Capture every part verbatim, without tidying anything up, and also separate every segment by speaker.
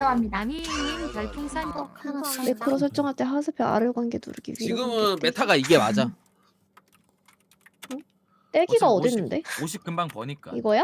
Speaker 1: 합니다.
Speaker 2: 남이님 별풍선
Speaker 3: 어, 알았어.
Speaker 4: 매크로 설정할 때 하스페 R을 관계 누르기 위로
Speaker 5: 지금은 메타가 이게 맞아.
Speaker 4: 떼기가
Speaker 6: 어차피
Speaker 4: 어딨는데?
Speaker 6: 오십 금방 버니까.
Speaker 4: 이거야?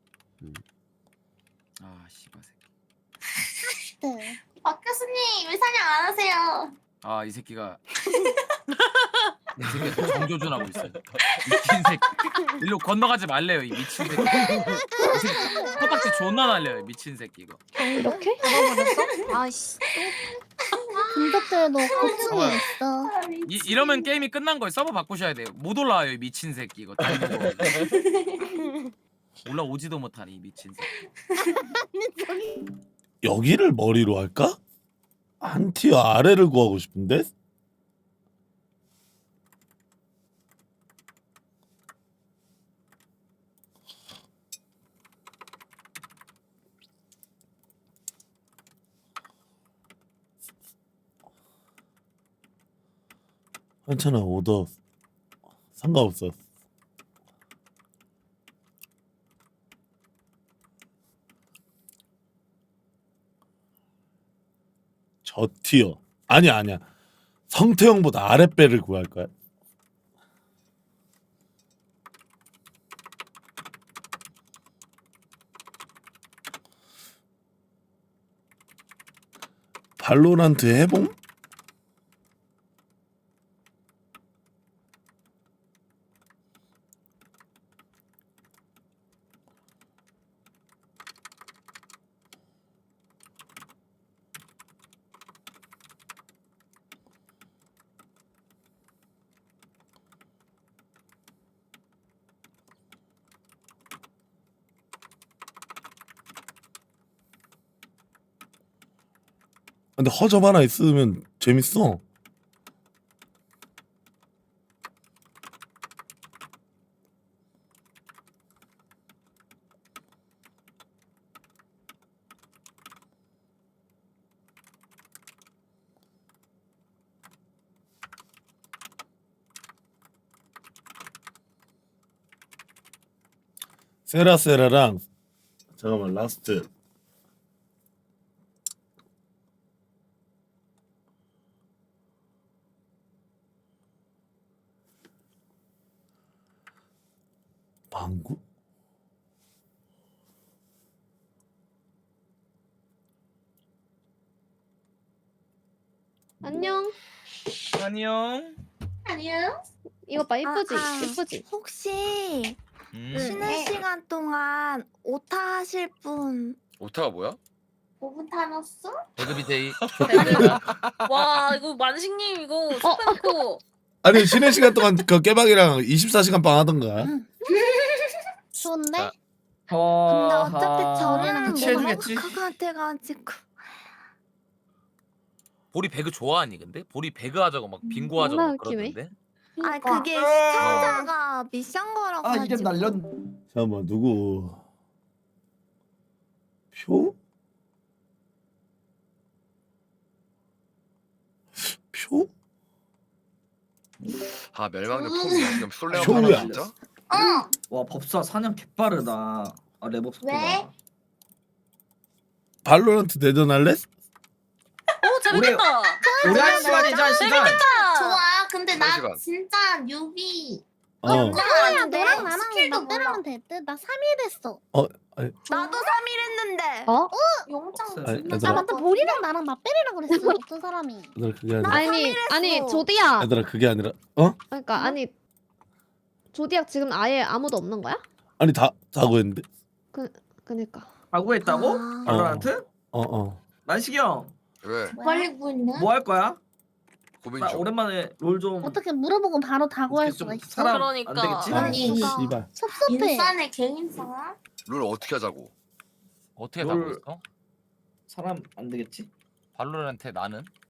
Speaker 6: 아 씨발 새끼.
Speaker 3: 네.
Speaker 1: 박 교수님 왜 사냥 안 하세요?
Speaker 6: 아 이 새끼가 이 새끼가 정조준하고 있어. 미친 새끼. 일로 건너가지 말래요 이 미친 새끼. 이 새끼 컵박지 존나 날려요 미친 새끼 이거.
Speaker 4: 이렇게?
Speaker 2: 아씨
Speaker 3: 분석들도 고충이
Speaker 6: 봐봐요.
Speaker 3: 있어.
Speaker 1: 아,
Speaker 6: 이
Speaker 1: 미치-
Speaker 6: 이러면 게임이 끝난 거예요. 서버 바꾸셔야 돼요. 못 올라와요 이 미친 새끼 이거. 다 먹어. 올라오지도 못하니 이 미친 새끼.
Speaker 7: 여기를 머리로 할까? 한 티어 아래를 구하고 싶은데? 괜찮아 오더 상관없어. 저 티어 아니야 아니야 성태형보다 아랫배를 구할 거야. 발로란트 해봄? 근데 허접 하나 있으면 재밌어. 세라세라랑 잠깐만 라스트 방구?
Speaker 4: 안녕.
Speaker 6: 안녕.
Speaker 1: 아니요.
Speaker 4: 이거 봐 이쁘지?
Speaker 3: 아, 아.
Speaker 4: 이쁘지?
Speaker 3: 혹시
Speaker 6: 음.
Speaker 3: 쉬는
Speaker 1: 네.
Speaker 3: 시간 동안 오타 하실 분?
Speaker 8: 오타가 뭐야?
Speaker 1: 오 분 타노스?
Speaker 6: 배그비데이.
Speaker 2: 와 이거 만식님 이거 스팸코
Speaker 7: 아니 쉬는 시간 동안 그 깨박이랑 이십사 시간 빵 하던가.
Speaker 3: 좋은데?
Speaker 8: 자.
Speaker 3: 근데 어차피 저는
Speaker 8: 같이
Speaker 3: 너무
Speaker 8: 해주겠지?
Speaker 3: 것 같아가지고.
Speaker 6: 보리 배그 좋아하니 근데? 보리 배그 하자고 막 빙고 하자고
Speaker 4: 존나
Speaker 6: 막
Speaker 4: 웃기네.
Speaker 6: 그러던데.
Speaker 3: 아
Speaker 1: 그러니까.
Speaker 3: 그게 시청자가 미션 걸어가지고.
Speaker 9: 아 이름 날렸.
Speaker 7: 잠깐만 누구 표? 표?
Speaker 8: 아 멸망전 폼 지금 솔랭
Speaker 7: 쇼우야.
Speaker 8: 진짜?
Speaker 1: 어.
Speaker 9: 와 법사 사냥 개빠르다. 아 랩업 속도가.
Speaker 1: 왜?
Speaker 7: 발로란트 내전 할래?
Speaker 2: 오 재밌겠다
Speaker 9: 우리 한 시간이자 한 시간.
Speaker 1: 좋아. 근데 나
Speaker 8: 시간.
Speaker 1: 진짜 뉴비.
Speaker 7: 어.
Speaker 3: 너야 너랑 나랑
Speaker 1: 스킬도 몰라.
Speaker 3: 나랑 됐대. 나 삼 일 했어.
Speaker 7: 아니,
Speaker 3: 나도 삼 일 했는데.
Speaker 4: 어?
Speaker 1: 용장
Speaker 9: 없어요.
Speaker 7: 아니,
Speaker 1: 존나
Speaker 7: 얘들아.
Speaker 3: 아 맞다 보리랑 나랑 맞배리랑 그랬어. 어떤 사람이.
Speaker 7: 얘들아 그게 아니라
Speaker 4: 아니 아니 조디야.
Speaker 7: 얘들아 그게 아니라 어?
Speaker 4: 그러니까 아니 조디약 지금 아예 아무도 없는 거야?
Speaker 7: 아니 다 자고 했는데
Speaker 4: 그니까.
Speaker 9: 하고 했다고?
Speaker 3: 아.
Speaker 9: 발로란트?
Speaker 7: 어어
Speaker 9: 만식이 형.
Speaker 8: 왜?
Speaker 1: 멀리 보이는?
Speaker 9: 뭐 할 거야?
Speaker 8: 고민
Speaker 9: 나
Speaker 8: 중.
Speaker 9: 오랜만에 롤 좀.
Speaker 3: 어떻게 물어보고 바로 다구할
Speaker 9: 어떻게 좀
Speaker 3: 수가 있어?
Speaker 9: 사람
Speaker 2: 그러니까.
Speaker 9: 안 되겠지?
Speaker 1: 아니.
Speaker 7: 씨발
Speaker 3: 섭섭해.
Speaker 1: 인산의 개인사?
Speaker 8: 룰 어떻게 하자고?
Speaker 6: 어떻게
Speaker 9: 롤-
Speaker 6: 하고 있어?
Speaker 9: 사람 안 되겠지?
Speaker 6: 발로란테 나는?